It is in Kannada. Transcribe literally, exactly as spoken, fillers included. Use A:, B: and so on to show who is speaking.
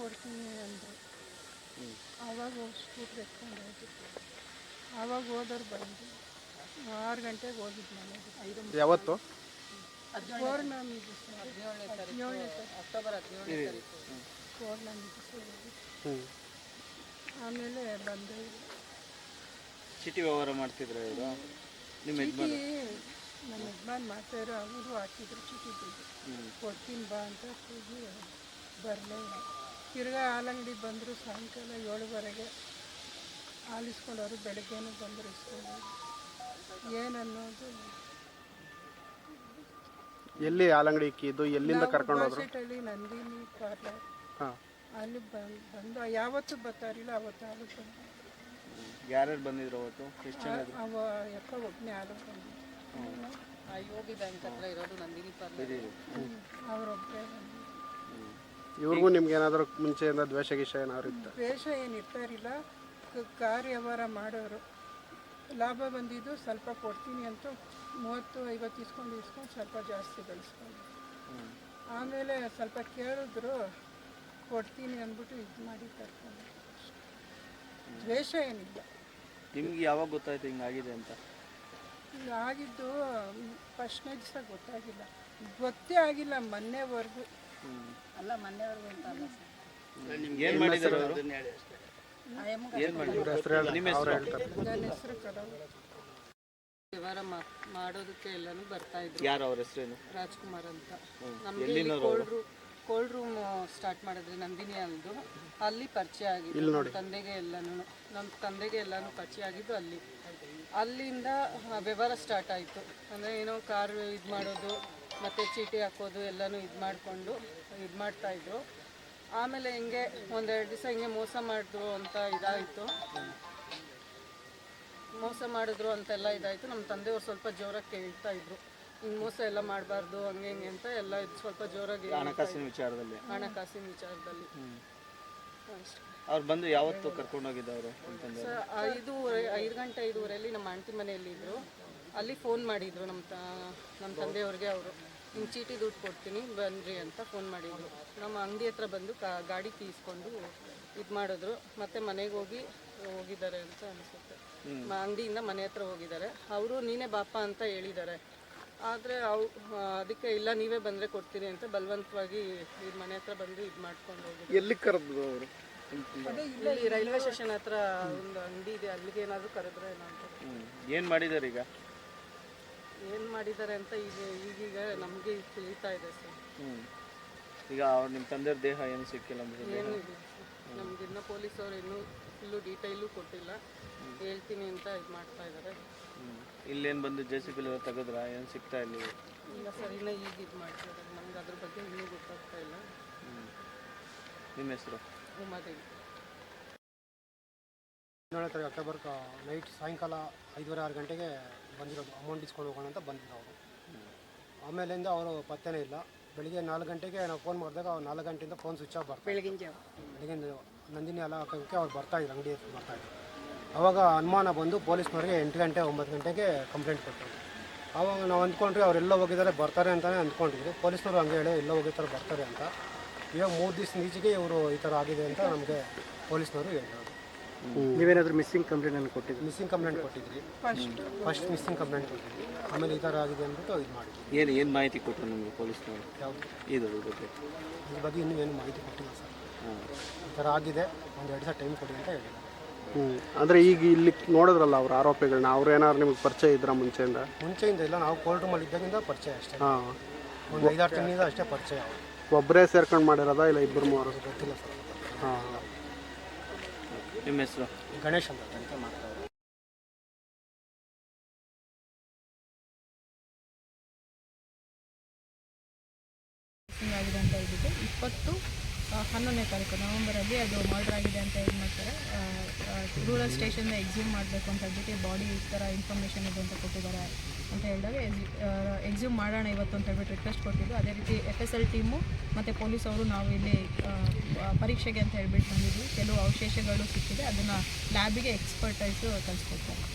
A: ಕೊಡ್ತೀನಿ ಅಂದರು. ಆವಾಗ ಹೋಗಿ ಸ್ಕೂಟ್ರ್ ಎತ್ಕೊಂಡು ಹೋಗಿದ್ದು. ಆವಾಗ ಹೋದವ್ರು ಬಂದು ಆರು ಗಂಟೆಗೆ ಹೋಗಿದ್ದು ಮನೆಗೆ. ಐದು
B: ಯಾವತ್ತು?
A: ಪೌರ್ಣಮಿ ದಿವಸ, ಹದಿನೇಳನೇ ತಾರೀಕು ಅಕ್ಟೋಬರ್ ಹದಿನೇಳನೇ ತಾರೀಕು ಪೌರ್ಣಮಿ ದಿವಸ ಹೋಗಿದ್ದು. ಆಮೇಲೆ ಬಂದು
C: ಚೀಟಿ ವ್ಯವಹಾರ ಮಾಡ್ತಿದ್ರು ಇವರು. ನಿಮ್ಮ
A: ಚೀಟಿ ನಮ್ಮ ಯಜಮಾನ್ ಮಾಡ್ತಾಯಿದ್ರು, ಅವರು ಹಾಕಿದ್ರು ಚೀಟಿ ದುಡ್ಡು. ಕೊಡ್ತೀನಿ ಬಾ ಅಂತ ಹೋಗಿ ಬರಲೇ ಇಲ್ಲ. ತಿರ್ಗಾ ಹಾಲಂಗಡಿ ಬಂದರು. ಸಾಯಂಕಾಲ ಏಳುವರೆಗೆ ಹಾಲು ಇಸ್ಕೊಂಡವರು. ಬೆಳಗ್ಗೆನೂ ಬಂದರು ಇಸ್ಕೊಂಡು. ಏನನ್ನೋದು
B: ಎಲ್ಲಿ ಹಾಲಂಗಡಿ ಇಕ್ಕಿದ್ದು? ಎಲ್ಲಿಂದ ಕರ್ಕೊಂಡು ಹೋದ್ರು?
A: ಹಳ್ಳಿ ನಂದಿನಿ ಪಾರ್ಲರ್.
B: ಹಾಂ,
A: ಅಲ್ಲಿ ಬಂದು ಬಂದು ಯಾವತ್ತೂ ಬರ್ತಾರಿಲ್ಲ. ಅವತ್ತು ಹಾಲು ಬಂದು.
C: ಯಾರ್ಯಾರು ಬಂದಿದ್ರು ಅವತ್ತು? ಎಷ್ಟು ಜನ?
A: ಅವ ಯಾಕ ಒಬ್ಬನೇ ಹಾಲು ಬಂದಿದ್ದು. ಯೋಗಿ ಬ್ಯಾಂಕ್ ಹತ್ರ ಇರೋದು ನಂದಿನಿ ಪಾರ್ಲರ್, ಅವರೊಬ್ಬರೇ ಬಂದು.
B: ಇವ್ರಿಗೂ ನಿಮ್ಗೆ ಏನಾದರೂ ಮುಂಚೆಯಿಂದ ದ್ವೇಷ ಗೀಷ ಏನಾದ್ರು ಇತ್ತು?
A: ದ್ವೇಷ ಏನು ಇರ್ತಾರಿಲ್ಲ. ಕಾರ್ ವ್ಯವಹಾರ ಮಾಡೋರು. ಲಾಭ ಬಂದಿದ್ದು ಸ್ವಲ್ಪ ಕೊಡ್ತೀನಿ ಅಂತ ಮೂವತ್ತು ಐವತ್ತು ಇಸ್ಕೊಂಡು ಇಸ್ಕೊಂಡು ಸ್ವಲ್ಪ ಜಾಸ್ತಿ ಬೆಳೆಸ್ಕೊಂಡು ಆಮೇಲೆ ಸ್ವಲ್ಪ ಕೇಳಿದ್ರು, ಕೊಡ್ತೀನಿ ಅಂದ್ಬಿಟ್ಟು ಇದು ಮಾಡಿ ಕರ್ಕೊಂಡು. ದ್ವೇಷ ಏನಿಲ್ಲ.
C: ನಿಮ್ಗೆ ಯಾವಾಗ ಗೊತ್ತಾಯ್ತು ಹಿಂಗಾಗಿದೆ ಅಂತ?
A: ಆಗಿದ್ದು ಫಸ್ಟ್ನೇ ದಿವಸ ಗೊತ್ತಾಗಿಲ್ಲ, ಗೊತ್ತೇ ಆಗಿಲ್ಲ ಮೊನ್ನೆವರೆಗೂ. ಅಲ್ಲ ಮೊನ್ನೆವರೆಗೂ ಅಂತ ಅಲ್ಲ ಸರ್.
C: ಏನು ಮಾಡಿದ್ರು ಅವರು?
A: ನನ್ನ ಹೆಸರು ಕಡವ. ವ್ಯವಹಾರ ಮಾಡೋದಕ್ಕೆ ಎಲ್ಲಾನು ಬರ್ತಾ ಇದ್ರು.
C: ಯಾರು ಅವ್ರ ಹೆಸರೇನು?
A: ರಾಜ್ಕುಮಾರ್ ಅಂತ. ನಮಗೆ cold room cold room start ಮಾಡಿದ್ರಿ ನಂದಿನಿ ಅಂದು. ಅಲ್ಲಿ ಪರಿಚಯ ಆಗಿದ್ದು ನಮ್ಮ ತಂದೆಗೆ ಎಲ್ಲನೂ ನಮ್ಮ ತಂದೆಗೆ ಎಲ್ಲನೂ ಪರಿಚಯ ಆಗಿದ್ದು ಅಲ್ಲಿ. ಅಲ್ಲಿಂದ ವ್ಯವಹಾರ ಸ್ಟಾರ್ಟ್ ಆಯಿತು. ಅಂದರೆ ಏನೋ ಕಾರ್ ಇದು ಮಾಡೋದು ಮತ್ತು ಚೀಟಿ ಹಾಕೋದು ಎಲ್ಲನೂ ಇದು ಮಾಡಿಕೊಂಡು ಇದು ಮಾಡ್ತಾಯಿದ್ರು. ಆಮೇಲೆ ಹಿಂಗೆ ಒಂದೆರಡು ದಿವಸ ಹಿಂಗೆ ಮೋಸ ಮಾಡಿದ್ರು ಅಂತ ಇದಾಯಿತು. ಮೋಸ ಮಾಡಿದ್ರು ಅಂತೆಲ್ಲ ಇದಾಯಿತು. ನಮ್ಮ ತಂದೆಯವ್ರು ಸ್ವಲ್ಪ ಜೋರಾಗಿ ಕೇಳ್ತಾ ಇದ್ರು, ಹಿಂಗೆ ಮೋಸ ಎಲ್ಲ ಮಾಡಬಾರ್ದು ಹಂಗೆ ಹಿಂಗೆ ಅಂತ ಎಲ್ಲ ಇದು ಸ್ವಲ್ಪ ಜೋರಾಗಿ
C: ಹಣಕಾಸಿನ ವಿಚಾರದಲ್ಲಿ
A: ಹಣಕಾಸಿನ ವಿಚಾರದಲ್ಲಿ ಅಷ್ಟೇ.
C: ಅವ್ರು ಬಂದು ಯಾವತ್ತು ಕರ್ಕೊಂಡು ಹೋಗಿದ್ದವರು ಅಂತಂದ್ರೆ?
A: ಸರ್ ಐದೂವರೆ ಐದು ಗಂಟೆ ಐದೂವರೆಯಲ್ಲಿ ನಮ್ಮ ಆಂಟಿ ಮನೆಯಲ್ಲಿ ಇದ್ದರು. ಅಲ್ಲಿ ಫೋನ್ ಮಾಡಿದರು ನಮ್ಮ ತ ನಮ್ಮ ತಂದೆಯವ್ರಿಗೆ. ಅವರು ಹಿಂಗೆ ಚೀಟಿ ದುಡ್ಡು ಕೊಡ್ತೀನಿ ಬನ್ನಿರಿ ಅಂತ ಫೋನ್ ಮಾಡಿದರು. ನಮ್ಮ ಅಂಗಡಿ ಹತ್ರ ಬಂದು ಕಾ ಗಾಡಿ ತೀಸ್ಕೊಂಡು ಇದು ಮಾಡಿದ್ರು. ಮತ್ತು ಮನೆಗೆ ಹೋಗಿ ಹೋಗಿದ್ದಾರೆ ಅಂತ ಅನಿಸುತ್ತೆ. ಅಂಗಡಿಯಿಂದ ಮನೆ ಹತ್ರ ಹೋಗಿದ್ದಾರೆ. ಅವರು ನೀನೇ ಬಾಪ ಅಂತ ಹೇಳಿದ್ದಾರೆ. ಆದರೆ ಅವು ಅದಕ್ಕೆ ಇಲ್ಲ ನೀವೇ ಬಂದರೆ ಕೊಡ್ತೀನಿ ಅಂತ ಬಲವಂತವಾಗಿ ಇದು ಮನೆ ಹತ್ರ ಬಂದು ಇದು ಮಾಡ್ಕೊಂಡು ಹೋಗಿದ್ದಾರೆ.
B: ಎಲ್ಲಿ ಕರೆದ್ರು ಅವರು?
A: ಅದೇ ಇಲ್ಲಿ ರೈಲ್ವೆ ಸ್ಟೇಷನ್ ಹತ್ರ ಒಂದು ಅಂಗಡಿ ಇದೆ, ಅಲ್ಲಿಗೆ ಏನಾದರೂ ಕರೆದ್ರೆ ಏನೋ ಅಂತ.
C: ಏನು ಮಾಡಿದ್ದಾರೆ ಈಗ?
A: ಏನು ಮಾಡಿದ್ದಾರೆ ಅಂತ ಈಗ ಈಗೀಗ ನಮಗೆ ತಿಳಿತಾ ಇದೆ ಸರ್.
C: ಹ್ಞೂ ಈಗ ಅವ್ರು ನಿಮ್ಮ ತಂದೆಯವ್ರ ದೇಹ ಏನು ಸಿಕ್ಕಿಲ್ಲ ಅಂದರೆ?
A: ಏನೂ ಇದೆ ನಮ್ಗೆ ಇನ್ನೂ ಪೊಲೀಸವ್ರು ಇನ್ನೂ ಫುಲ್ಲು ಡೀಟೈಲು ಕೊಟ್ಟಿಲ್ಲ. ಹೇಳ್ತೀನಿ ಅಂತ ಇದು ಮಾಡ್ತಾ ಇದ್ದಾರೆ.
C: ಹ್ಞೂ ಇಲ್ಲೇನು ಬಂದು ಜೆ ಸಿ ಬಿಲ್ ತೆಗೆದ್ರಾ? ಏನು ಸಿಗ್ತಾ ಇಲ್ಲ?
A: ಇಲ್ಲ ಸರ್, ಇನ್ನೂ ಈಗ ಇದು ಮಾಡ್ತಾ ಇದ್ದಾರೆ. ನಮ್ಗೆ ಅದ್ರ ಬಗ್ಗೆ ಇನ್ನೂ ಗೊತ್ತಾಗ್ತಾ ಇಲ್ಲ.
C: ಹ್ಞೂ ನಿಮ್ಮ ಹೆಸರು?
A: ಉಮಾದೇವಿ.
D: ಹದಿನೇಳನೇ ತಾರೀಕು ಅಕ್ಟೋಬರ್ ನೈಟ್ ಸಾಯಂಕಾಲ ಐದುವರೆ ಆರು ಗಂಟೆಗೆ ಬಂದಿರೋದು. ಅಮೌಂಟ್ ಇಸ್ಕೊಂಡು ಹೋಗೋಣ ಅಂತ ಬಂದಿದ್ರು ಅವರು. ಆಮೇಲಿಂದ ಅವರು ಪತ್ತೆನೇ ಇಲ್ಲ. ಬೆಳಿಗ್ಗೆ ನಾಲ್ಕು ಗಂಟೆಗೆ ನಾವು ಫೋನ್ ಮಾಡಿದಾಗ ಅವ್ರು ನಾಲ್ಕು ಗಂಟೆಯಿಂದ ಫೋನ್ ಸ್ವಿಚ್ ಆಫ್ ಬರ್ತಾರೆ.
A: ಬೆಳಗಿನ ಜಾವ
D: ಬೆಳಗಿನ ನಂದಿನಿ ಎಲ್ಲ ಹಾಕೋಕ್ಕೆ ಅವ್ರು ಬರ್ತಾಯಿದ್ರು, ಅಂಗಡಿ ಹತ್ರ ಬರ್ತಾಯಿದ್ರು. ಆವಾಗ ಅನುಮಾನ ಬಂದು ಪೊಲೀಸ್ನವ್ರಿಗೆ ಎಂಟು ಗಂಟೆ ಒಂಬತ್ತು ಗಂಟೆಗೆ ಕಂಪ್ಲೇಂಟ್ ಕೊಟ್ಟರು. ಆವಾಗ ನಾವು ಅಂದ್ಕೊಂಡ್ರಿ ಅವರೆಲ್ಲ ಹೋಗಿದ್ದಾರೆ ಬರ್ತಾರೆ ಅಂತಲೇ ಅಂದ್ಕೊಂಡಿದ್ವಿ. ಪೊಲೀಸ್ನವರು ಹಂಗೆ ಹೇಳಿ ಎಲ್ಲ ಹೋಗಿರ್ತಾರೆ ಬರ್ತಾರೆ ಅಂತ. ಇವಾಗ ಮೂರು ದಿವಸ ಈಚೆಗೆ ಇವರು ಈ ಥರ ಆಗಿದೆ ಅಂತ ನಮಗೆ ಪೊಲೀಸ್ನವರು ಹೇಳಿದ್ರು.
B: ನೀವೇನಾದರೂ ಮಿಸ್ಸಿಂಗ್ ಕಂಪ್ಲೇಂಟ್ ಅನ್ನು ಕೊಟ್ಟಿದ್ರಿ?
D: ಮಿಸ್ಸಿಂಗ್ ಕಂಪ್ಲೇಂಟ್ ಕೊಟ್ಟಿದ್ರಿ.
A: ಫಸ್ಟ್
D: ಫಸ್ಟ್ ಮಿಸ್ಸಿಂಗ್ ಕಂಪ್ಲೇಂಟ್ ಕೊಟ್ಟಿದ್ವಿ. ಆಮೇಲೆ ಈ ಥರ ಆಗಿದೆ ಅಂದ್ಬಿಟ್ಟು ಇದು ಮಾಡಿದ್ವಿ.
C: ಏನು ಏನು ಮಾಹಿತಿ ಕೊಟ್ಟರು ನಿಮಗೆ ಪೊಲೀಸ್ನವರು?
D: ಯಾವುದು
C: ಇದು ಬಗ್ಗೆ
D: ಇದ್ರ ಬಗ್ಗೆ ಇನ್ನೂ ಏನು ಮಾಹಿತಿ ಕೊಟ್ಟಿಲ್ಲ ಸರ್.
C: ಹಾಂ
D: ಈ ಥರ ಆಗಿದೆ, ಒಂದು ಎರಡು ದಿವಸ ಟೈಮ್ ಕೊಡಿ ಅಂತ ಹೇಳಿದ್ರು.
B: ಹ್ಞೂ ಅಂದರೆ ಈಗ ಇಲ್ಲಿ ನೋಡಿದ್ರಲ್ಲ ಅವ್ರ ಆರೋಪಿಗಳನ್ನ, ಅವ್ರು ಏನಾದ್ರು ನಿಮಗೆ ಪರಿಚಯ ಇದ್ರ ಮುಂಚೆಯಿಂದ?
D: ಮುಂಚೆಯಿಂದ ಇಲ್ಲ, ನಾವು ಕೋಲ್ಡ್ ರೂಮಲ್ಲಿ ಇದ್ದಾಗಿಂದ ಪರಿಚಯ ಅಷ್ಟೇ.
B: ಹಾಂ,
D: ಒಂದು ಐದಾರು ತಿಂಗಳಿಂದ ಅಷ್ಟೇ ಪರಿಚಯ.
B: ಒಬ್ಬರೇ ಸೇರ್ಕೊಂಡು ಮಾಡಿರೋದಾ ಇಲ್ಲ ಇಬ್ಬರು ಮೂವರು?
D: ಗೊತ್ತಿಲ್ಲ ಸರ್.
B: ಹಾಂ.
C: ನಿಮ್ಮ ಹೆಸರು?
D: ಗಣೇಶ್ ಅಂತ ಅಂತ ಮಾಡ್ತಾರೆ.
E: ಆಗಿದೆ ಅಂತ ಹೇಳಿಬಿಟ್ಟು ಇಪ್ಪತ್ತು ಹನ್ನೊಂದನೇ ತಾರೀಕು ನವಂಬರಲ್ಲಿ ಅದು ಮರ್ಡರ್ ಆಗಿದೆ ಅಂತ ಇದು ಮಾಡ್ತಾರೆ. ರೂರಲ್ ಸ್ಟೇಷನ್ನ ಎಕ್ಸ್ಯೂಮ್ ಮಾಡಬೇಕು ಅಂತ ಹೇಳ್ಬಿಟ್ಟು ಬಾಡಿ ಈ ಥರ ಇನ್ಫಾರ್ಮೇಷನ್ ಇದೆ ಅಂತ ಕೊಟ್ಟಿದ್ದಾರೆ ಅಂತ ಹೇಳಿದಾಗ ಎಕ್ಸ್ಯೂಮ್ ಮಾಡೋಣ ಇವತ್ತು ಅಂತ ಹೇಳ್ಬಿಟ್ಟು ರಿಕ್ವೆಸ್ಟ್ ಕೊಟ್ಟಿದ್ದು. ಅದೇ ರೀತಿ ಎಫ್ ಎಸ್ ಎಲ್ ಟೀಮು ಮತ್ತು ಪೊಲೀಸ್ ಅವರು ನಾವು ಇಲ್ಲಿ ಪರೀಕ್ಷೆಗೆ ಅಂತ ಹೇಳ್ಬಿಟ್ಟು ಬಂದಿದ್ವಿ. ಕೆಲವು ಅವಶೇಷಗಳು ಸಿಕ್ಕಿದೆ, ಅದನ್ನು ಲ್ಯಾಬಿಗೆ ಎಕ್ಸ್ಪರ್ಟೈಸು ಕಳಿಸ್ಕೊಡ್ತಾರೆ.